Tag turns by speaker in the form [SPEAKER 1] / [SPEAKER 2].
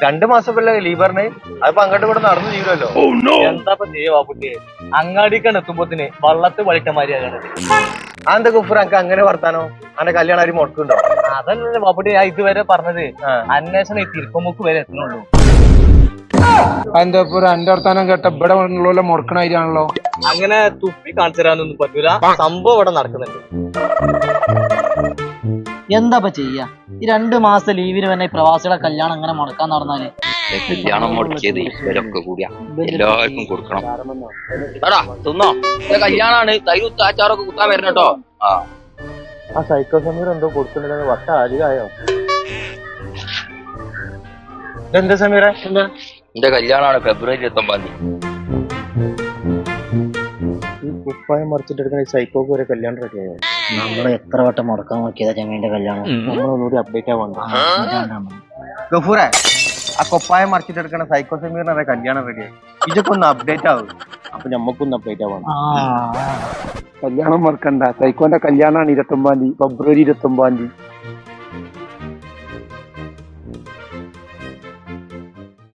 [SPEAKER 1] 2 മാസമല്ലേ ലീവറിന് അതിപ്പോ അങ്ങോട്ട് കൂടെ നടന്നു തീരുമല്ലോ.
[SPEAKER 2] എന്താ ചെയ്യുവാ കുട്ടി? അങ്ങാടിക്കാണ് എത്തുമ്പോത്തിന് വള്ളത്ത് വളിക്കന്മാരിയാണ്.
[SPEAKER 1] അതെന്താ കുഫർ എനിക്ക് അങ്ങനെ വർത്താനോ? അന്റെ കല്യാണം ആരും മുടക്കുണ്ടോ?
[SPEAKER 2] അതല്ലേ ബാപ്പുട്ടി ഞാൻ ഇതുവരെ പറഞ്ഞത്. അന്വേഷണം ഈ തിരുപ്പമുക്ക് വരെ എത്തുന്നുള്ളൂ.
[SPEAKER 3] എന്താ ഇപ്പൊ എന്റെ വർത്താനം കേട്ട ഇവിടെ ഉള്ള മുടക്കണായിരിയാണല്ലോ.
[SPEAKER 2] അങ്ങനെ തുപ്പി കാണിച്ചു തരാനൊന്നും പറ്റൂല. സംഭവം ഇവിടെ നടക്കുന്നുണ്ട്.
[SPEAKER 4] എന്താ ചെയ്യാ? ഈ 2 മാസത്തെ ലീവിന് തന്നെ പ്രവാസികളെ കല്യാണം അങ്ങനെ മുടക്കാൻ നടന്നാല്
[SPEAKER 5] കല്യാണം മുടക്കിയത് ഇവരൊക്കെ കൂടിയാ എല്ലാവർക്കും കൊടുക്കണം. എടാ തിന്നോ, കല്യാണാണ്. തൈര് അച്ചാറൊക്കെ കുത്താൻ വരണം കേട്ടോ.
[SPEAKER 1] ആ സൈക്കോ സമീർ എന്തോ കൊടുക്കുന്നുണ്ടെന്ന് വട്ട അധികമായോ? ഇതെന്താ സമീറ?
[SPEAKER 5] എന്റെ കല്യാണാണ് ഫെബ്രുവരി 29.
[SPEAKER 1] ഈ കുപ്പായം മറിച്ചിട്ടെടുക്കുന്ന സൈക്കോക്ക് വരെ കല്യാണം റെഡിയായോ?
[SPEAKER 4] നമ്മള് എത്ര വട്ടം മുടക്കാൻ നോക്കിയതാ ചെമ്മീന്റെ കല്യാണം.
[SPEAKER 1] നമ്മളൊന്നുകൂടി അപ്ഡേറ്റ് ആവാണ്ട്. ഗഫൂറെ, ആ കൊപ്പായം മറിച്ചിട്ടെടുക്കുന്ന സൈക്കോ സമീറിന് വരെ കല്യാണം റെഡിയായി. ഇതൊക്കെ ഒന്ന് അപ്ഡേറ്റ് ആവും. അപ്പൊ ഞമ്മക്കൊന്ന് അപ്ഡേറ്റ് ആവാണ്.
[SPEAKER 3] കല്യാണം മറക്കണ്ട. സൈക്കോന്റെ കല്യാണാണ് 29 ഫെബ്രുവരി 29.